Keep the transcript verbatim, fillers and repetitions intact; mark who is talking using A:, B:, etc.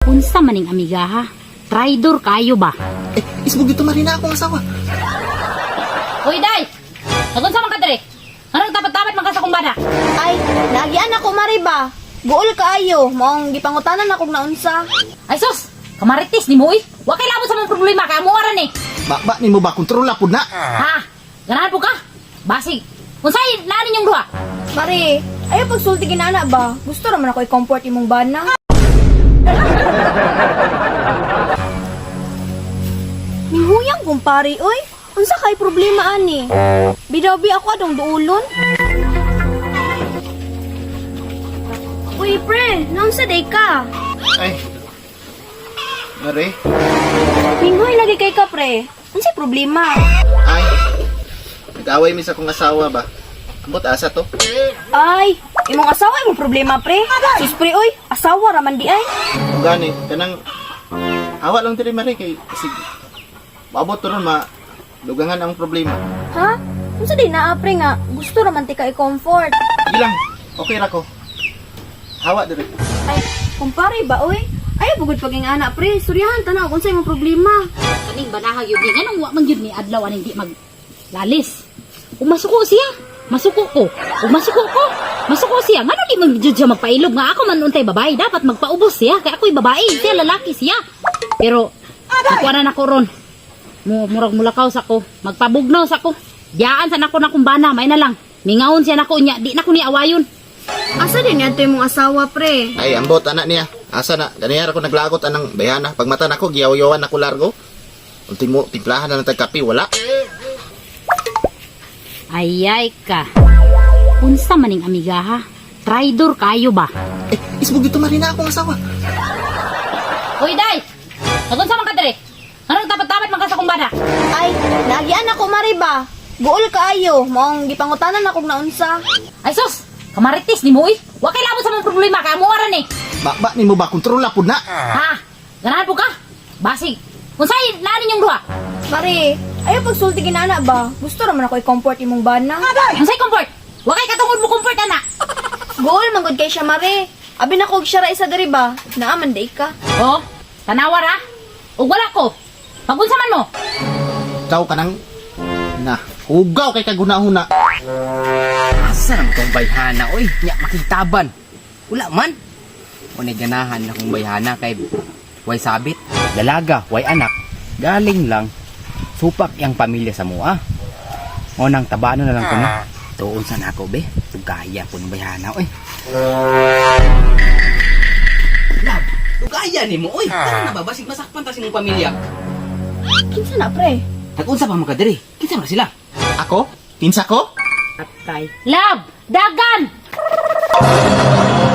A: Unsa maning amiga ha? Traidor kayo ba?
B: Eh, isbog dito marina akong asawa.
A: Uy, day! Nagunsa man ka diri? Anong tapat-tapat man ka sa kumbada?
C: Ay, nagian ako mariba. Guol kaayo, maong gipangutanan akong naunsa.
A: Ay sus! Kamaritis ni mo eh! Wa kay labot sa mong problema kaya mo aran eh!
B: Ba, ba, ni mo ba kontrola po na?
A: Ha? Ganahan po ka? Basig! Unsay naanin yung duha?
C: Mari, ayaw pagsulti ginana ba? Gusto naman ako i-comfort imong bana. Mihuyang kumpari, oy. Unsa kay problema ani? Bidaw-bi ako adong duulon. Uy, pre, naunsa day ka?
B: Ay, Mare,
C: Minghoy lagi kay ka, pre. Unsay problema?
B: ay, nag-away mi sa kong asawa ba? Ambot asa to?
C: Ay, imong asawa imong problema, pre. Sus, pre, oy. Asawa raman di ay.
B: Kung gani, kanang awa lang diri Mare kay sige. Maabot to ron ma lugangan ang problema.
C: Ha? Unsa day naa, pre nga? Gusto raman ti ka i-comfort.
B: Sige lang, okay ra ko. Hawa diri.
C: Ay, kumpare ba, oy? Ay, bugod paging anak, pre. Suryahan, tanaw, kung sa'yo mong problema.
A: Kaning banahag yun ni. Anong wa man yun ni adlaw aning di maglalis? Kung masuko siya, masuko ko. Kung masuko ko, masuko siya. Nga di man jud siya magpailog nga ako man untay babae. Dapat magpaubos siya. Kaya ako'y babae, siya lalaki siya. Pero, nakuha na ko ron. Mu murag mulakaw sa ko. Magpabugnaw sa ko. Diyaan sa nako na kumbana, may na lang. Mingawon siya nako niya. Di na ko ni awayon.
C: Asa din yan mong asawa, pre?
B: Ay, ambot anak niya. Asa na, ganyan ako naglagot anang bayana. Pag mata nako giyaw-yawan ako largo. Ultimo timplahan na ng tagkapi, wala.
A: Ayay ka. Unsa maning amiga ha? Traidor kayo ba?
B: Eh, isbog dito marina akong asawa.
A: Uy, day! Nagunsa man ka diri? Anong tapat-tapat man ka sa kumbada?
C: Ay, nagian ako, mariba. Guol kaayo, maong gipangutanan akong naunsa.
A: Ay sus! Kamaritis ni mo eh! Wa kay labot sa mong problema kaya mo aran eh!
B: Ba, ba, ni mo ba kontrola po na?
A: Ha? Ganahan po ka? Basig! Unsay naanin yung duha?
C: Mari, ayaw pagsulti ginana ba? Gusto naman ako i-comfort imong bana.
A: Unsay comfort? Wa kay katungod mo comfort ana!
C: Guol, manggod kay siya, Mari. Abi na ko siya ra isa diri ba? Naaman day ka.
A: Oh, tanawar ha? O wala ko! Pagunsa man mo!
B: Ikaw ka nang na, hugaw kay kaguna-huna.
D: Asa naman itong bayhana, oy? Nya, makitaban. Wala man. O ganahan na kong bayhana kay way sabit, dalaga, way anak. Galing lang. Supak yang pamilya sa mua. O nang tabano na lang ko na. Tuon sa nako, be. Tugaya ko ng bayhana, oy. Lab, tugaya ni mo, oy. Ano na ba? Basig masakpan ta sining pamilya.
C: Kinsa na, pre?
D: Nag-unsa pa mga kadiri? Kinsa man sila?
B: Ako? Kinsa ko?
A: Atay. Love! Dagan!